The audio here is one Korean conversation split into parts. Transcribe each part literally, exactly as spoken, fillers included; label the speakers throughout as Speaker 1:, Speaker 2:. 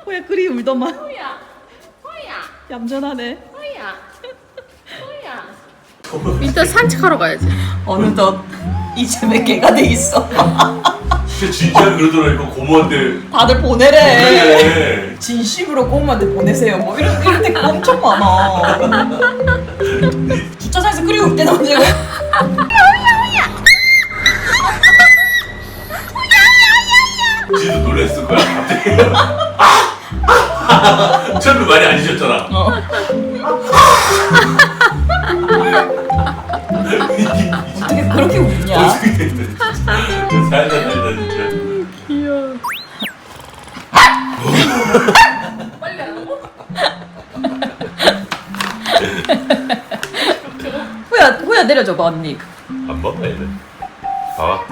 Speaker 1: 호야 그리 울더만.
Speaker 2: 호야, 호야,
Speaker 1: 얌전하네.
Speaker 2: 호야, 호야. 일단 산책하러 가야지.
Speaker 1: 어느덧 이 집에 개가 돼 있어.
Speaker 3: 진짜 진지하게 그러더라니까 고모한테.
Speaker 1: 다들 보내래.
Speaker 3: 그래.
Speaker 1: 진심으로 고모한테 보내세요. 뭐 이런 이런 댓글 엄청 많아. 주차장에서 그리 울 때는 언제고?
Speaker 3: 지도 놀랬을 거야 갑자기. 아! 처음에 많이 안 지셨잖아.
Speaker 1: 어. 어떻게 그렇게 웃냐?
Speaker 3: 어떻게 됐는데 진짜. 살다 살다 진짜.
Speaker 2: 귀여워. 빨리 안 하고?
Speaker 1: 호야 호야 내려줘봐 언니.
Speaker 3: 안 먹어야 돼. 봐봐.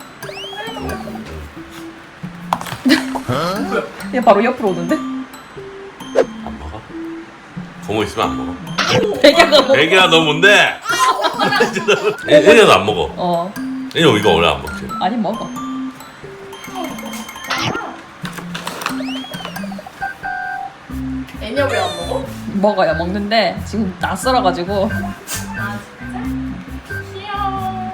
Speaker 1: 얘 바로 옆으로 오는데?
Speaker 3: 안 먹어? 고모 있으면 안 먹어.
Speaker 1: 애기가 뭐?
Speaker 3: 애기야 너 뭔데? 애기도 안 먹어.
Speaker 1: 어
Speaker 3: 애기 이거 원래 안 먹지.
Speaker 1: 아니 먹어.
Speaker 2: 애냐 왜 안 먹어?
Speaker 1: 먹어요 먹는데 지금 낯설어가지고.
Speaker 2: 아 진짜? 귀여워.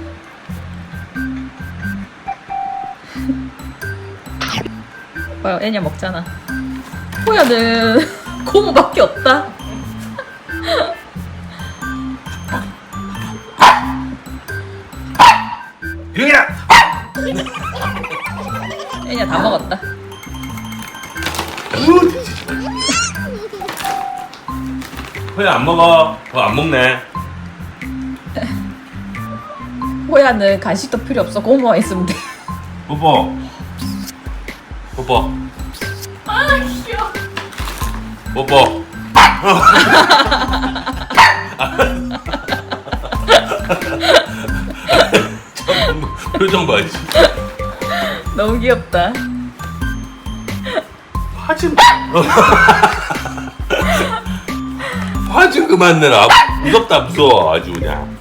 Speaker 1: 봐요 애냐 먹잖아. 호야는 고모밖에 없다.
Speaker 3: 유야.
Speaker 1: 애냐 다 먹었다.
Speaker 3: 호야 안 먹어. 더 안 먹네.
Speaker 1: 호야는 간식도 필요 없어. 고모만 있으면 돼.
Speaker 3: 뽀뽀. 뽀뽀.
Speaker 2: 아 귀여워.
Speaker 3: 뽀뽀. 표정 봐야지.
Speaker 1: 너무 귀엽다.
Speaker 3: 화좀 화 좀 그만 내라. 무섭다 무서워 아주 그냥.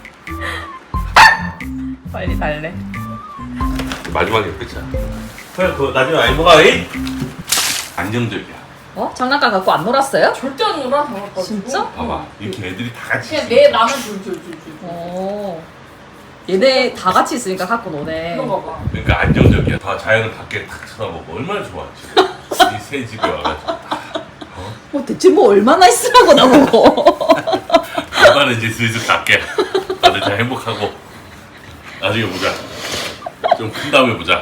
Speaker 1: 빨리 달래.
Speaker 3: 마지막에 끝이야. 그래 그거 나중에 많이 먹어. 이 안정적이야.
Speaker 1: 어? 장난감 갖고 안 놀았어요?
Speaker 2: 절대 안 놀아 저거.
Speaker 1: 진짜?
Speaker 3: 봐봐 이렇게 애들이 다 같이
Speaker 2: 그냥
Speaker 3: 있어.
Speaker 2: 내 나만 줄줄줄줄.
Speaker 1: 어. 얘네 다 같이 있으니까 갖고 노네.
Speaker 2: 그런가 봐.
Speaker 3: 그러니까 안정적이야. 다 자연을 밖에 탁 쳐다보고 얼마나 좋아하지. 이 새 집에 와가지고.
Speaker 1: 뭐 대체 뭐 얼마나 있으라고 나보고.
Speaker 3: 아빠는 이제 슬슬 갈게. 다들 잘 행복하고 나중에 보자. 좀 큰 다음에 보자.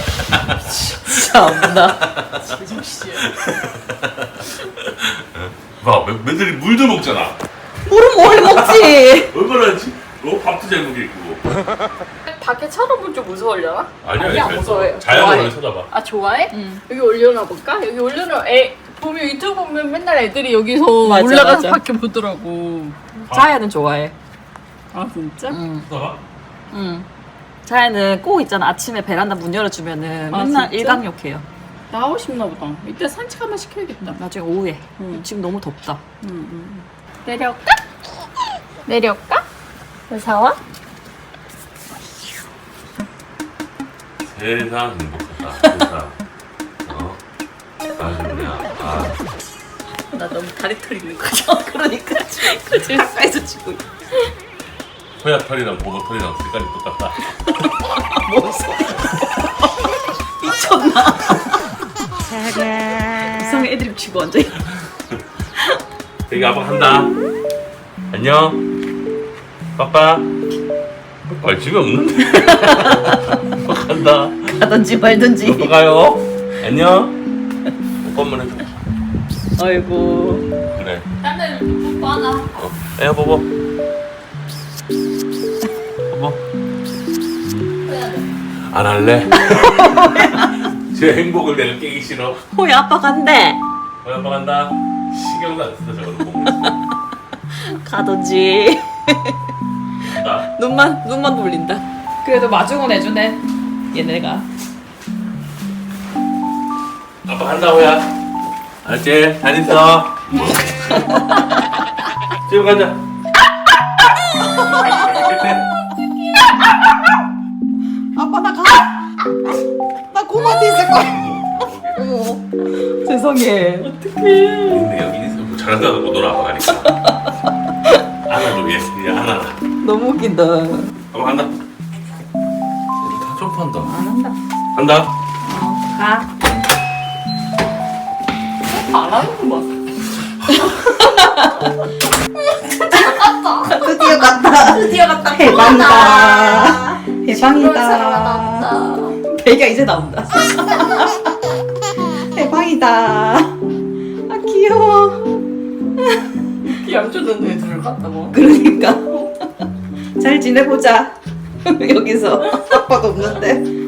Speaker 1: 참나.
Speaker 2: 제정씨야.
Speaker 3: 봐, 매- 매들이 물도 먹잖아.
Speaker 1: 물은 뭘 먹지?
Speaker 3: 얼마나 지? 너 밥도 잘 먹겠고.
Speaker 2: 밖에 쳐다볼 줄 무서워려나?
Speaker 3: 아니야,
Speaker 2: 아니야,
Speaker 3: 잘
Speaker 2: 무서워요.
Speaker 3: 자연을
Speaker 2: 좋아해.
Speaker 3: 원래 쳐다봐.
Speaker 2: 아 좋아해?
Speaker 1: 응.
Speaker 2: 여기 올려놔 볼까? 여기 올려놔. 애 보면 유튜브 보면 맨날 애들이 여기서
Speaker 1: 맞아,
Speaker 2: 올라가서
Speaker 1: 맞아.
Speaker 2: 밖에 보더라고.
Speaker 1: 자야는 좋아해.
Speaker 2: 아 진짜?
Speaker 1: 응.
Speaker 3: 쳐다봐?
Speaker 1: 응. 자야는 꼭 있잖아. 아침에 베란다 문 열어주면은
Speaker 2: 아,
Speaker 1: 맨날
Speaker 2: 진짜?
Speaker 1: 일광욕해요.
Speaker 2: 나오고 싶나 보다. 이따 산책 한번 시켜야겠다.
Speaker 1: 나중에 오후에.
Speaker 2: 응.
Speaker 1: 지금 너무 덥다.
Speaker 2: 응, 응. 내려올까? 내려올까? 무서워?
Speaker 3: 세상 행복하다. 세상. 어? 아주 그냥 아.
Speaker 1: 나 너무 다리 털 있는 거죠? 그러니까. 그치? 가까이서 치고 있어.
Speaker 3: 호야 털이랑 고모 털이랑 색깔이 똑같다.
Speaker 1: 뭔 소리야. 미쳤나? 이상한 애드립 치고 앉아.
Speaker 3: 되게 아빠 간다. 안녕. 빠빠. 아 집에 없는데. 아빠 간다.
Speaker 1: 가든지 말든지.
Speaker 3: 오빠 가요. 안녕. 오빠 한번 해줘.
Speaker 1: 아이고.
Speaker 3: 그래.
Speaker 2: 딴 뽀뽀 하나.
Speaker 3: 어. 애야 보고. 보고. 안 할래. 제 행복을 내가 깨기 싫어.
Speaker 1: 호야 아빠 간대.
Speaker 3: 우리 아빠 간다. 신경도 안 쓰다 저거는 보고 있어.
Speaker 1: 가든지.
Speaker 3: 간다.
Speaker 1: 눈만 눈만 돌린다. 그래도 마중은 해주네. 얘네가.
Speaker 3: 아빠 간다 호야. 알지? 잘 있어. 집에 가자.
Speaker 1: 아빠 나 가. 나 고모한테 있을 거야. 하려고. 죄송해.
Speaker 3: 근데 여기 있어 뭐 잘한다고 놀아 가니까. 안아줘 얘. 얘 안아라.
Speaker 1: 너무 웃긴다.
Speaker 3: 한번 한다. 다 점프한다.
Speaker 1: 안 한다.
Speaker 3: 한다.
Speaker 1: 어, 가.
Speaker 2: 안 하는 거 봐.
Speaker 1: 드디어 갔다. 드디어 갔다. 해방이다. 해방이다. 배가 이제 나온다. 해방이다. 아 귀여워.
Speaker 2: 얌전한 애들을 갖다고.
Speaker 1: 그러니까 잘 지내보자. 여기서 아빠도 없는데.